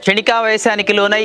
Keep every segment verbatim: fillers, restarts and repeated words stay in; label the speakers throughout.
Speaker 1: క్షణికావేశానికి లోనై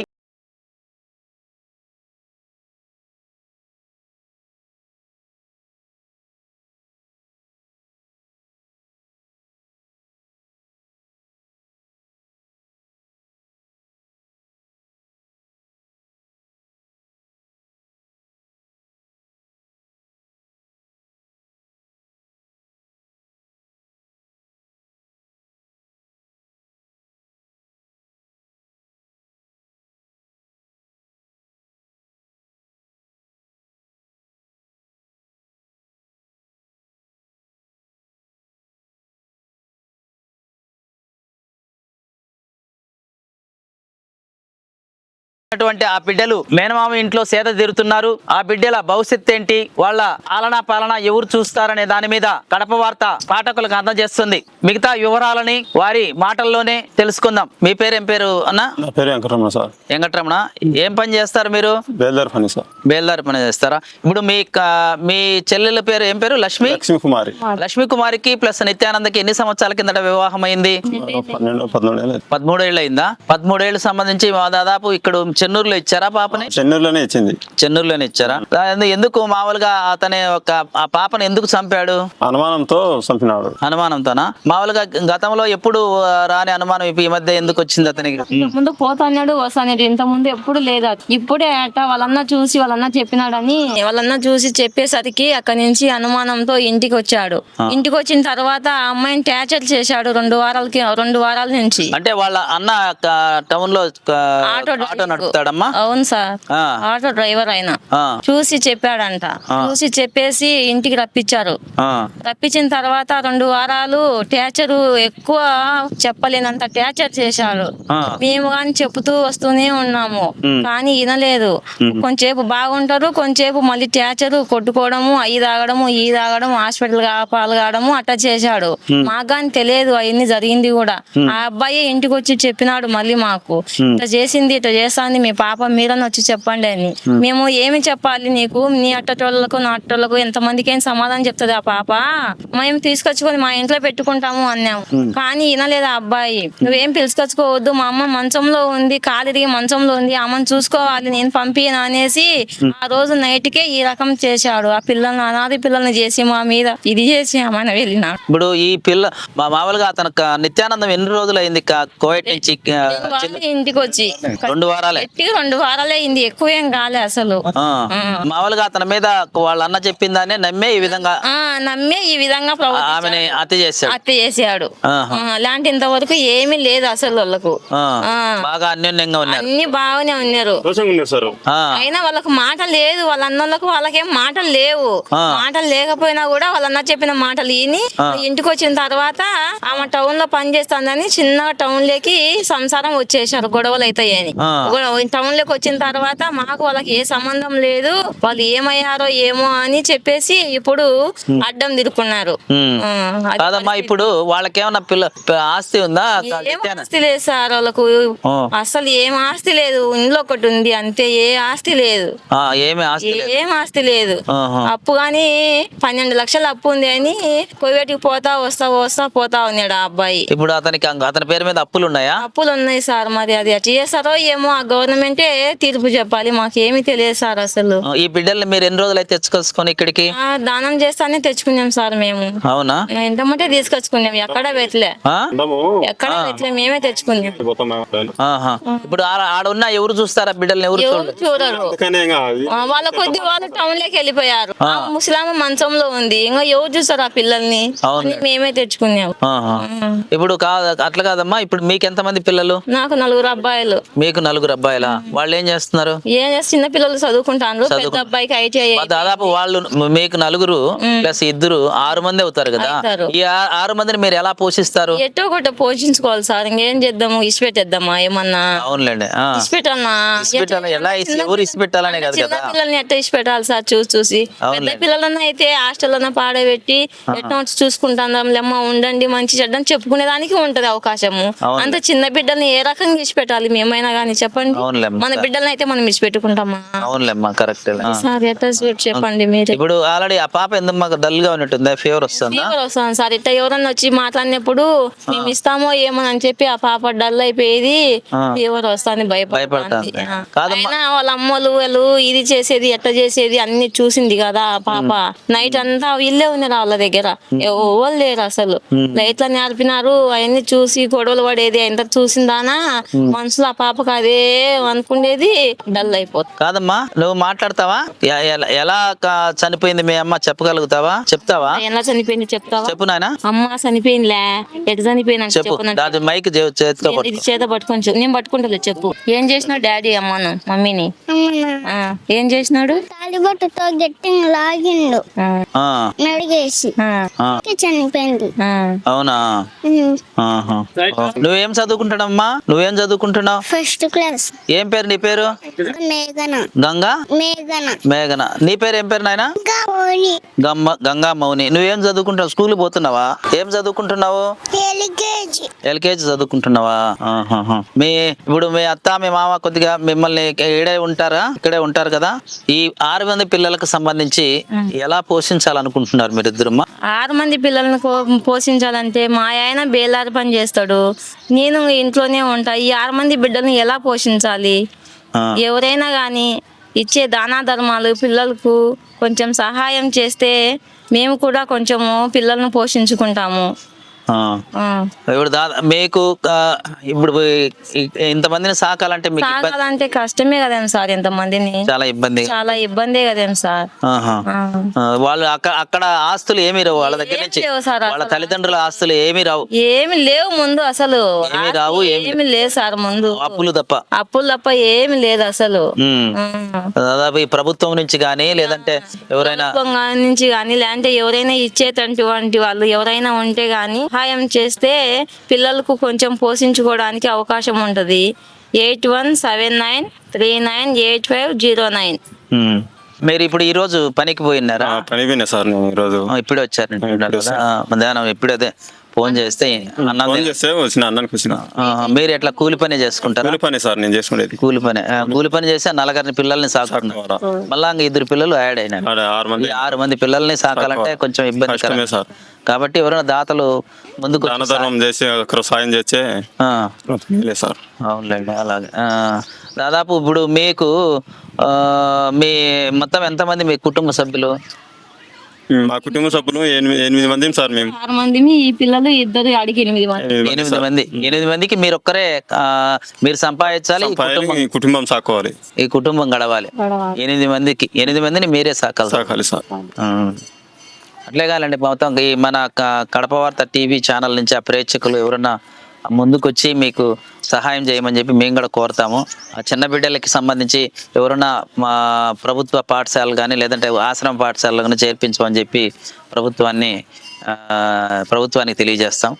Speaker 1: అటువంటి ఆ బిడ్డలు మేనమామ ఇంట్లో సేద తీరుతున్నారు. ఆ బిడ్డల భవిష్యత్తు ఏంటి, వాళ్ళ ఆలనా పాలన ఎవరు చూస్తారనే దాని మీద కడప వార్త పాఠకులకు అందజేస్తుంది. మిగతా వివరాలని వారి మాటల్లోనే తెలుసుకుందాం. మీ పేరు ఏం పేరు అన్న?
Speaker 2: నా పేరు వెంకటరమణ సార్.
Speaker 1: వెంకటరమణ, ఏం పని చేస్తారు మీరు?
Speaker 2: బేల్దార్ పని సార్.
Speaker 1: బేల్దార్ పని చేస్తారా? ఇప్పుడు మీ మీ చెల్లెల పేరు ఏం పేరు? లక్ష్మి
Speaker 2: లక్ష్మీ కుమారి.
Speaker 1: లక్ష్మీ కుమారికి ప్లస్ నిత్యానందకి ఎన్ని సంవత్సరాల కిందట వివాహం అయింది?
Speaker 2: పన్నెండు పదమూడు
Speaker 1: పదమూడేళ్ళు అయిందా? పదమూడేళ్ళు సంబంధించి దాదాపు ఇక్కడ చెన్నూరులో ఇచ్చారా పాపని?
Speaker 2: చెన్నూరులోనే ఇచ్చింది.
Speaker 1: చెన్నూరులోనే ఇచ్చారా? ఎందుకు మామూలుగా అతనే ఒక ఆ పాపను ఎందుకు చంపాడు?
Speaker 2: అనుమానంతో చంపినాడు.
Speaker 1: అనుమానంతోనా? మామూలుగా గతంలో ఎప్పుడు రాని అనుమానం ఈ మధ్య ఎందుకు వచ్చింది అతనికి?
Speaker 3: ముందు పోతాడు వస్తాడు, ఇంత ముందు ఎప్పుడు లేదు. ఇప్పుడే అట వాళ్ళన్న చూసి వాళ్ళన్న చెప్పినాడని వాళ్ళన్న చూసి చెప్పేసరికి అక్కడి నుంచి అనుమానంతో ఇంటికి వచ్చాడు. ఇంటికి వచ్చిన తర్వాత ఆ అమ్మాయిని టార్చర్ చేశాడు రెండు వారాలకి రెండు వారాల నుంచి.
Speaker 1: అంటే వాళ్ళ అన్న టౌన్ లో ఆటో నడుపుతాడమ్మా?
Speaker 3: అవును సార్, ఆటో డ్రైవర్ ఆయన చూసి చెప్పాడంట. చూసి చెప్పేసి ఇంటికి రప్పించారు. రప్పించిన తర్వాత రెండు వారాలు టార్చర్, ఎక్కువ చెప్పలేనంత టార్చర్ చేశాడు. మేము కానీ చెప్తూ వస్తూనే ఉన్నాము, కానీ వినలేదు. కొంచెంసేపు బాగుంటారు, కొంచెంసేపు మళ్ళీ టార్చర్, కొట్టుకోవడము, అయ్యి తాగడము, ఈ తాగడం, హాస్పిటల్ పాలు కావడము అట్లా చేశాడు. మాకు కానీ తెలియదు అవన్నీ జరిగింది కూడా. ఆ అబ్బాయి ఇంటికి వచ్చి చెప్పినాడు మళ్ళీ మాకు, ఇట్లా చేసింది ఇట్లా చేస్తాంది మీ పాప, మీరని వచ్చి చెప్పండి అని. మేము ఏమి చెప్పాలి నీకు, నీ అట్టటోళ్ళకు నా అట్టోళ్ళకు ఎంతమందికి ఏం సమాధానం చెప్తుంది ఆ పాప, మేము తీసుకొచ్చుకొని మా ఇంట్లో పెట్టుకుంటాము అన్నాము. కానీ వినలేదు ఆ అబ్బాయి. నువ్వేం పిలుచుకొచ్చుకోవద్దు, మా అమ్మ మంచంలో ఉంది, కాలిరిగి మంచంలో ఉంది, అమ్మని చూసుకోవాలి, నేను పంపిన అనేసి ఆ రోజు నైట్ కే ఈ రకం చేశాడు. ఆ పిల్లల్ని, అనాథ పిల్లల్ని చేసి మా మీద ఇది చేసి ఆమె వెళ్ళినాడు.
Speaker 1: ఇప్పుడు ఈ పిల్ల మామూలుగా అతను నిత్యానందం ఎన్ని రోజులు అయింది కోవిడ్ నుంచి
Speaker 3: ఇంటికి వచ్చి?
Speaker 1: రెండు వారాలే.
Speaker 3: రెండు వారాలే అయింది, ఎక్కువ ఏం కాలే అసలు.
Speaker 1: మామూలుగా అతని మీద వాళ్ళ అన్న చెప్పిందానే నమ్మే ఈ విధంగా
Speaker 3: నమ్మే ఈ విధంగా
Speaker 1: ఆమెని హత్య చేశాడు.
Speaker 3: హత్య చేసాడు. అలాంటి ఇంతవరకు ఏమీ లేదు అసలు వాళ్ళకు.
Speaker 1: బాగా అన్యోన్యంగా ఉన్నారు,
Speaker 3: అన్ని బాగానే ఉన్నారు. అయినా వాళ్ళకు మాట లేదు, వాళ్ళ అన్నోళ్ళకు వాళ్ళకేం మాటలు లేవు. మాటలు లేకపోయినా కూడా వాళ్ళ అన్న చెప్పిన మాటలు విని ఇంటికి వచ్చిన తర్వాత ఆమె టౌన్ లో పని చేస్తుందని చిన్న టౌన్ లోకి సంసారం వచ్చేసారు, గొడవలు అవుతాయని. టౌన్ లోకి వచ్చిన తర్వాత మాకు వాళ్ళకి ఏ సంబంధం లేదు, వాళ్ళు ఏమయ్యారో ఏమో అని చెప్పేసి ఇప్పుడు అడ్డం తిరుక్కున్నారు.
Speaker 1: కాదమ్మా, ఇప్పుడు వాళ్ళకేమన్నా పిల్ల ఆస్తి ఉందా?
Speaker 3: ఏం ఆస్తి లేదు సార్ వాళ్ళకు, అసలు ఏం ఆస్తి లేదు. ఇంట్లో ఒకటి ఉంది అంతే, ఏ ఆస్తి లేదు.
Speaker 1: ఏమి ఆస్తి
Speaker 3: ఏం ఆస్తి లేదు. అప్పు గాని పన్నెండు లక్షలు అప్పు ఉంది అని కోవేటికి పోతా వస్తా వస్తా పోతా ఉన్నాడు ఆ అబ్బాయి.
Speaker 1: ఇప్పుడు అతనికి అతని పేరు మీద అప్పులు ఉన్నాయా?
Speaker 3: అప్పులు ఉన్నాయి సార్, మరి అది ఎట్లా చేస్తారో ఏమో, ఆ గవర్నమెంటే తీర్పు చెప్పాలి, మాకేమీ తెలియదు సార్ అసలు.
Speaker 1: ఈ బిడ్డల్ని మీరు ఎన్ని రోజులు అయితే తెచ్చుకొచ్చుకొని ఇక్కడికి?
Speaker 3: దానం చేస్తానే తెచ్చుకున్నాం సార్ మేము.
Speaker 1: అవునా?
Speaker 3: ఎంతమంటే తీసుకొచ్చుకున్నాం, ఎక్కడ పెట్టలే, ఎక్కడ పెట్టలే, మేమే తెచ్చుకున్నాం.
Speaker 1: ఇప్పుడు ఆడ ఉన్న ఎవరు చూస్తారా బిడ్డల్ని? ఎవరు
Speaker 3: చూడరు, వాళ్ళ కొద్ది వాళ్ళు టౌన్ లోకి వెళ్ళిపోయారు. ముసలామ మంచంలో ఉంది, ఇంకా ఎవరు చూస్తారు ఆ పిల్లల్ని? మేమే తెచ్చుకున్నాం.
Speaker 1: ఇప్పుడు కాదు అట్లా కాదమ్మా, ఇప్పుడు మీకు ఎంత మంది పిల్లలు?
Speaker 3: నాకు నలుగురు అబ్బాయిలు.
Speaker 1: మీకు నలుగురు అబ్బాయిలా? వాళ్ళు ఏం చేస్తున్నారు?
Speaker 3: ఏం చేస్తారు, చిన్న పిల్లలు చదువుకుంటారు. పెద్ద అబ్బాయికి ఐటీఐ.
Speaker 1: దాదాపు వాళ్ళు మీకు నలుగురు ప్లస్ ఇద్దరు ఆరు మంది అవుతారు కదా. ఈ ఆరు మందిని మీరు ఎలా పోషిస్తారు?
Speaker 3: ఎట్టో ఒకటి పోషించుకోవాలి సార్, ఇంకేం చేద్దాము, ఇసిపెట్టేద్దామా ఏమన్నా?
Speaker 1: అవునులేండి,
Speaker 3: ఇసిపెట్టాలన్నా.
Speaker 1: ఎలా ఎవరు ఇసిపెట్టాలనే కదా,
Speaker 3: చిన్న పిల్లల్ని ఎట్ట ఇసిపెట్టాలి సార్ చూసి చూసి. పెద్ద పిల్లలన్నా అయితే హాస్టల్ పాడబెట్టి ఎట్లా చూసుకుంటాం లేమ్మా, ఉండండి మంచి చెడ్డని చెప్పుకునే దానికి ఉంటది అవకాశము. అంత చిన్న బిడ్డల్ని ఏ రకంగా ఇసిపెట్టాలి మేమైనా గానీ చెప్పండి.
Speaker 1: అవునులేమ్మా
Speaker 3: మన బిడ్డలను అయితే మనం విడిచిపెట్టుకుంటామా?
Speaker 1: అవునులేమ్మా కరెక్ట్.
Speaker 3: సార్ ఎట్లా స్వీట్ చెప్పండి మీరు.
Speaker 1: ఇప్పుడు ఆల్రెడీ ఆ పాప ఎందుకు మాకు డల్ గా ఉన్నట్టుందా? ఫీవర్ వస్తుందా?
Speaker 3: ఫీవర్ వస్తుంది సార్. ఇట్లా ఎవరన్నా వచ్చి మాట్లాడినప్పుడు మేము ఇస్తామో ఏమో అని చెప్పి ఆ పాప డల్ అయిపోయేది, ఫీవర్ వస్తుంది, భయపడుతుంది.
Speaker 1: భయపడుతుంది. కాదమ్మా.
Speaker 3: అయినా వాళ్ళ అమ్మలు వాళ్ళు ఇది చేసేది ఎట్లా చేసేది అన్ని చూసింది కదా ఆ పాప. నైట్ అంతా వీళ్ళే ఉన్నారు వాళ్ళ దగ్గర, ఎవరు లేరు అసలు. ఎట్లా నేర్పినారు అవన్నీ చూసి గొడవలు పడేది ఎంత చూసిందానా మనసులో ఆ పాపకు అదే అనుకునేది, డల్ అయిపోతుంది.
Speaker 1: కాదమ్మా నువ్వు మాట్లాడతావా? ఎ- ఎలా- ఎలా క- చనిపోయింది మీ అమ్మ చెప్పగలుగుతావా? చెప్తావా?
Speaker 3: ఎలా చనిపోయింది చెప్తావా?
Speaker 1: చెప్పు నాయన,
Speaker 3: అమ్మ చనిపోయిందిలే, ఎట్లా చనిపోయినా
Speaker 1: చెప్పు.
Speaker 3: చెప్పు.
Speaker 1: దాని మైక్ చే- చేతితో
Speaker 3: ఇది
Speaker 1: పట్టుకో.
Speaker 3: చేత పట్టుకొని చెప్పు. నేను పట్టుకుంటలే చెప్పు. ఏం చేసినావు డాడీ అమ్మను మమ్మీని? ఆ, ఏం చేసినాడు?
Speaker 4: తాలిబొట్టుతో గట్టిగా లాగిండు
Speaker 3: ఆ,
Speaker 1: ఆ,
Speaker 4: నడిగేసి
Speaker 3: ఆ,
Speaker 1: ఆ,
Speaker 4: చనిపోయింది.
Speaker 3: ఆ.
Speaker 1: అవునా?
Speaker 4: ఉమ్.
Speaker 1: ఆహా. నువ్వేం చదువుకుంటున్నావమ్మా? నువ్వేం చదువుకుంటున్నావు?
Speaker 4: First class.
Speaker 1: ఏం పేరు నీ పేరు?
Speaker 4: మేఘన
Speaker 1: గంగా
Speaker 4: మేఘన
Speaker 1: మేఘన. నీ పేరు ఏం పేరు నాయన?
Speaker 4: గౌరి
Speaker 1: గమ్మ గంగా మౌని. నువ్వేం చదువుకుంటున్నావు? స్కూల్ పోతున్నావా? ఏం చదువుకుంటున్నావు?
Speaker 4: ఎల్కేజీ.
Speaker 1: ఎల్కేజీ చదువుకుంటున్నావా? ఆహాహా. మీ ఇప్పుడు మీ అత్త మీ మామ కొద్దిగా మిమ్మల్ని ఇక్కడే ఉంటారా? ఇక్కడే ఉంటారు కదా. ఈ ఆరు మంది పిల్లలకు సంబంధించి ఎలా పోషించాలనుకుంటున్నారు మీరిద్దరమ్మా?
Speaker 3: ఆరు మంది పిల్లల్ని కో- పోషించాలంటే మా ఆయన బేలారి పని చేస్తాడు, నేను ఇంట్లోనే ఉంటా. ఈ ఆరు మంది బిడ్డల్ని ఎలా పోషించాలి?
Speaker 1: ఆ,
Speaker 3: ఎవరైనా కానీ ఇచ్చే దానా ధర్మాలు పిల్లలకు కొంచెం సహాయం చేస్తే మేము కూడా కొంచెము పిల్లల్ని పోషించుకుంటాము.
Speaker 1: ఆ.
Speaker 3: ఆ.
Speaker 1: ఇప్పుడు దాదా మీకు ఆ, ఇప్పుడు ఈ- ఇంతమందిని సాకాలంటే మీకు ఇబ్బంది-
Speaker 3: సాగాలంటే కష్టమే కదేం సార్, ఎంతమందిని
Speaker 1: చాలా ఇబ్బంది.
Speaker 3: చాలా ఇబ్బందే కదేం సార్.
Speaker 1: ఆహా.
Speaker 3: ఆ.
Speaker 1: ఆ, వాళ్ళు అక్కడ అక్కడ ఆస్తులు ఏమీ రావు వాళ్ళ దగ్గర
Speaker 3: ఏం
Speaker 1: నుంచి.
Speaker 3: లేవు సార్
Speaker 1: వాళ్ళ
Speaker 3: అసలు.
Speaker 1: తల్లిదండ్రుల ఆస్తులు ఏమీ రావు.
Speaker 3: ఏమి లేవు ముందు అసలు,
Speaker 1: ఏమీ రావు, ఏమీ
Speaker 3: ఏమి లేదు సార్ ముందు.
Speaker 1: అప్పులు తప్ప.
Speaker 3: అప్పులు తప్ప ఏమి లేదు అసలు.
Speaker 1: ఉమ్.
Speaker 3: ఆ.
Speaker 1: దాదాపు ఈ ప్రభుత్వం నుంచి కానీ లేదంటే ఎవరైనా
Speaker 3: ప్రభుత్వం గా- నుంచి కానీ లేదంటే ఎవరైనా ఇచ్చేటటువంటి వాళ్ళు ఎవరైనా ఉంటే గానీ సహాయం చేస్తే పిల్లలకు కొంచెం పోషించుకోవడానికి అవకాశం ఉంటది. Eight one seven nine three nine eight five zero nine.
Speaker 1: ఉమ్. మీరు ఇప్పుడు ఈ రోజు పనికి పోయినారా?
Speaker 2: ఆ, పని పోయినా సార్ నేను ఈరోజు.
Speaker 1: ఆ, ఇప్పుడే వచ్చారు మధ్యాహ్నం. ఇప్పుడే అదే ఫోన్ చేస్తే అన్నం
Speaker 2: ఫోన్ చేస్తే వచ్చిన అన్నానికి వచ్చిన
Speaker 1: ఆ, మీరు ఎట్లా కూలి పని చేసుకుంటారా?
Speaker 2: కూలి పని సార్ నేను చేసుకునేది.
Speaker 1: కూలి పని ఆ, కూలి పని చేసి ఆ నలుగురిని పిల్లల్ని సాకుతున్నారు. మళ్ళా ఇంక ఇద్దరు పిల్లలు యాడ్ అయినారు.
Speaker 2: ఆడ ఆరు మంది
Speaker 1: ఈ ఆరు మంది పిల్లల్ని సాకాలంటే కొంచెం ఇబ్బంది
Speaker 2: కష్టమే సార్.
Speaker 1: కాబట్టి ఎవరైనా దాతలు ముందుకు
Speaker 2: దాన ధర్మం చేసి ఒకరు సాయం చేస్తే
Speaker 1: ఆ,
Speaker 2: లేదు సార్.
Speaker 1: అవునులేండి అలాగే. ఆ, దాదాపు ఇప్పుడు మీకు ఆ, మీ మొత్తం ఎంతమంది మీ కుటుంబ సభ్యులు?
Speaker 2: మా కుటుంబ సభ్యులు ఎనిమిది ఎనిమిది మంది సార్ మేము.
Speaker 3: ఆరు మంది ఈ పిల్లలు ఇద్దరు అడిగి ఎనిమిది మంది.
Speaker 2: ఎనిమిది మంది
Speaker 1: ఎనిమిది
Speaker 2: సార్.
Speaker 1: మంది ఎనిమిది మందికి మీరు ఒక్కరే ఆ, మీరు సంపాదించాలి, ఈ
Speaker 2: సంపాదన
Speaker 1: కుటుంబం
Speaker 2: ఈ కుటుంబం సాకోవాలి,
Speaker 1: ఈ కుటుంబం గడవాలి. ఎనిమిది మందికి ఎనిమిది మందిని మీరే సాకాలి.
Speaker 2: సాకాలి సార్.
Speaker 1: ఆ. అట్లే కాదండి మొత్తం ఈ మన క- కడప వార్త టీవీ ఛానల్ నుంచి ఆ ప్రేక్షకులు ఎవరన్నా ముందుకొచ్చి మీకు సహాయం చేయమని చెప్పి మేము కూడా కోరుతాము. ఆ చిన్న బిడ్డలకి సంబంధించి ఎవరన్నా మా ప్రభుత్వ పాఠశాలలు కానీ లేదంటే ఆశ్రమ పాఠశాలలో కానీ చేర్పించమని చెప్పి ప్రభుత్వాన్ని ఆ, ప్రభుత్వానికి తెలియజేస్తాం.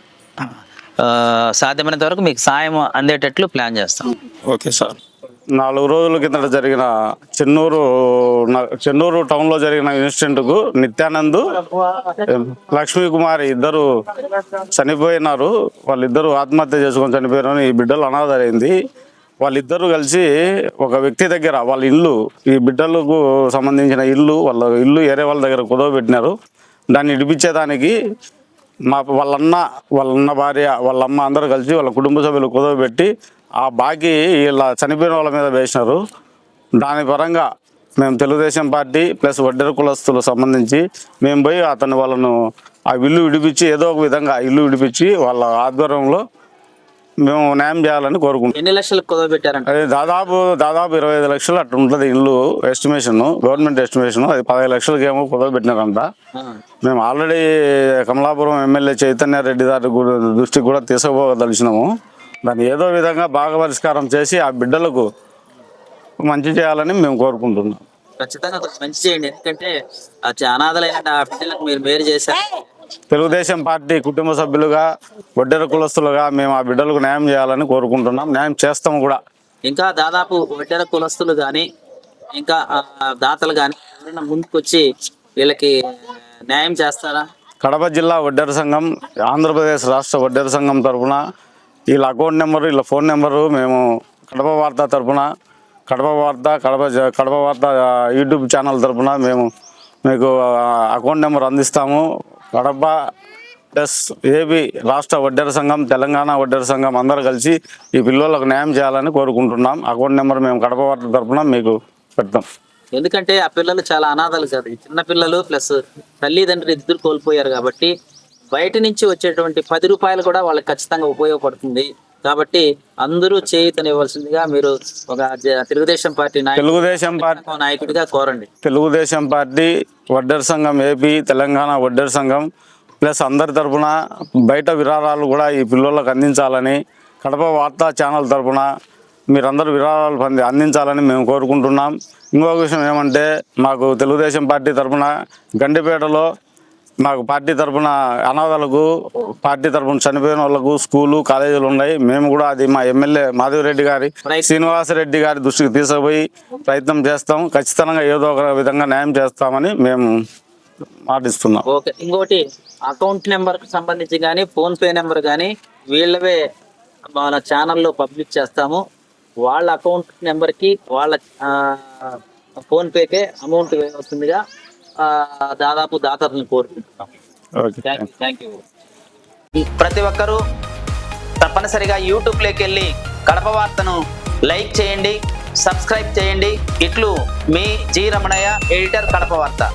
Speaker 1: ఆ, సాధ్యమైనంత వరకు మీకు సాయం అందేటట్లు ప్లాన్ చేస్తాం.
Speaker 2: Okay sir.
Speaker 5: నాలుగు రోజుల కిందట జరిగిన చెన్నూరు న- చెన్నూరు టౌన్లో జరిగిన ఇన్సిడెంట్కు నిత్యానంద్ లక్ష్మీ కుమారి ఇద్దరు చనిపోయినారు. వాళ్ళిద్దరూ ఆత్మహత్య చేసుకొని చనిపోయినారు. ఈ బిడ్డలు అనాథరైంది. వాళ్ళిద్దరూ కలిసి ఒక వ్యక్తి దగ్గర వాళ్ళ ఇల్లు, ఈ బిడ్డలకు సంబంధించిన ఇల్లు, వాళ్ళ ఇల్లు ఏరే వాళ్ళ దగ్గర కుదవబెట్టినారు. దాన్ని ఇడిపించేదానికి మా వాళ్ళన్న వాళ్ళన్న భార్య వాళ్ళమ్మ అందరూ కలిసి వాళ్ళ కుటుంబ సభ్యులు కుదవబెట్టి ఆ బాకీ వీళ్ళ చనిపోయిన వాళ్ళ మీద వేసినారు. దాని పరంగా మేము తెలుగుదేశం పార్టీ ప్లస్ వడ్డెర కులస్తులకు సంబంధించి మేము పోయి అతను వాళ్ళను ఆ ఇల్లు విడిపించి ఏదో ఒక విధంగా ఇల్లు విడిపించి వాళ్ళ ఆధ్వర్యంలో మేము న్యాయం చేయాలని కోరుకుంటున్నాం.
Speaker 1: ఎన్ని లక్షలకు కుదవబెట్టారంట?
Speaker 5: అది దాదాపు దాదాపు ఇరవై ఐదు లక్షలు అట్లా ఉంటుంది ఇల్లు ఎస్టిమేషన్, గవర్నమెంట్ ఎస్టిమేషన్. అది పదహైదు లక్షలకి ఏమో కుదవబెట్టినారంట. మేము ఆల్రెడీ కమలాపురం ఎమ్మెల్యే చైతన్య రెడ్డి గారి గు- దృష్టికి కూడా తీసుకుపోదలిచినాము. దాన్ని ఏదో విధంగా బాగా పరిష్కారం చేసి ఆ బిడ్డలకు మంచి చేయాలని మేము కోరుకుంటున్నాం.
Speaker 1: ఖచ్చితంగా కొంచెం మంచి చేయండి. ఎందుకంటే ఆ చ- అనాథలైన ఆ బిడ్డలకు మీరు మేలు చేశారు.
Speaker 5: తెలుగుదేశం పార్టీ కుటుంబ సభ్యులుగా వడ్డెర కులస్తులుగా మేము ఆ బిడ్డలకు న్యాయం చేయాలని కోరుకుంటున్నాం. న్యాయం చేస్తాము కూడా.
Speaker 1: ఇంకా దాదాపు వడ్డెర కులస్తులు కానీ ఇంకా ఆ, దాతలు కానీ ఎవరైనా ముందుకొచ్చి వీళ్ళకి న్యాయం చేస్తారా?
Speaker 5: కడప జిల్లా వడ్డెర సంఘం, ఆంధ్రప్రదేశ్ రాష్ట్ర వడ్డెర సంఘం తరఫున వీళ్ళ అకౌంట్ నెంబరు, వీళ్ళ ఫోన్ నెంబరు మేము కడప వార్త తరపున కడప వార్త కడప జ- కడప వార్త ఆ, యూట్యూబ్ ఛానల్ తరపున మేము మీకు ఆ, అకౌంట్ నెంబర్ అందిస్తాము. కడప ప్లస్ ఏపీ రాష్ట్ర వడ్డెర సంఘం, తెలంగాణ వడ్డెర సంఘం అందరూ కలిసి ఈ పిల్లలకు న్యాయం చేయాలని కోరుకుంటున్నాం. అకౌంట్ నెంబర్ మేము కడప వార్త తరపున మీకు పెడతాం.
Speaker 1: ఎందుకంటే ఆ పిల్లలు చాలా అనాథలు కదా, ఈ చిన్న పిల్లలు ప్లస్ తల్లిదండ్రులు ఇద్దరు కోల్పోయారు కాబట్టి బయట నుంచి వచ్చేటువంటి పది రూపాయలు కూడా వాళ్ళకి ఖచ్చితంగా ఉపయోగపడుతుంది. కాబట్టి అందరూ చేయూతనివ్వాల్సిందిగా మీరు ఒక జ- తెలుగుదేశం పార్టీ నాయకుడు
Speaker 5: తెలుగుదేశం పార్టీ
Speaker 1: నాయకుడిగా కోరండి.
Speaker 5: తెలుగుదేశం పార్టీ వడ్డెర సంఘం ఏపీ తెలంగాణ వడ్డెర సంఘం ప్లస్ అందరి తరపున బయట విరాళాలు కూడా ఈ పిల్లలకు అందించాలని కడప వార్తా ఛానల్ తరపున మీరందరూ విరాళాలు పొంది అందించాలని మేము కోరుకుంటున్నాం. ఇంకొక విషయం ఏమంటే మాకు తెలుగుదేశం పార్టీ తరపున గండిపేటలో మాకు పార్టీ తరపున అనాథాలకు పార్టీ తరపున చనిపోయిన వాళ్ళకు స్కూలు కాలేజీలు ఉన్నాయి. మేము కూడా అది మా ఎమ్మెల్యే మాధవిరెడ్డి గారి శ్రీనివాసరెడ్డి గారి దృష్టికి తీసుకుపోయి ప్రయత్నం చేస్తాం. ఖచ్చితంగా ఏదో ఒక విధంగా న్యాయం చేస్తామని మేము మాటిస్తున్నాం.
Speaker 1: ఓకే, ఇంకోటి అకౌంట్ నెంబర్ కి సంబంధించి కానీ ఫోన్ పే నెంబర్ కానీ వీళ్ళవే మన ఛానల్లో పబ్లిక్ చేస్తాము. వాళ్ళ అకౌంట్ నెంబర్ కి వాళ్ళ ఫోన్ పేకే అమౌంట్ వస్తుందిగా ఆ, దాదాపు దాతలను కోరుకుంటున్నాం.
Speaker 5: ఓకే.
Speaker 1: Thank you. ప్రతి ఒక్కరూ తప్పనిసరిగా యూట్యూబ్లోకి వెళ్ళి కడప వార్తను లైక్ చేయండి, సబ్స్క్రైబ్ చేయండి. ఇట్లు మీ జి రమణయ్య, ఎడిటర్, కడప వార్త.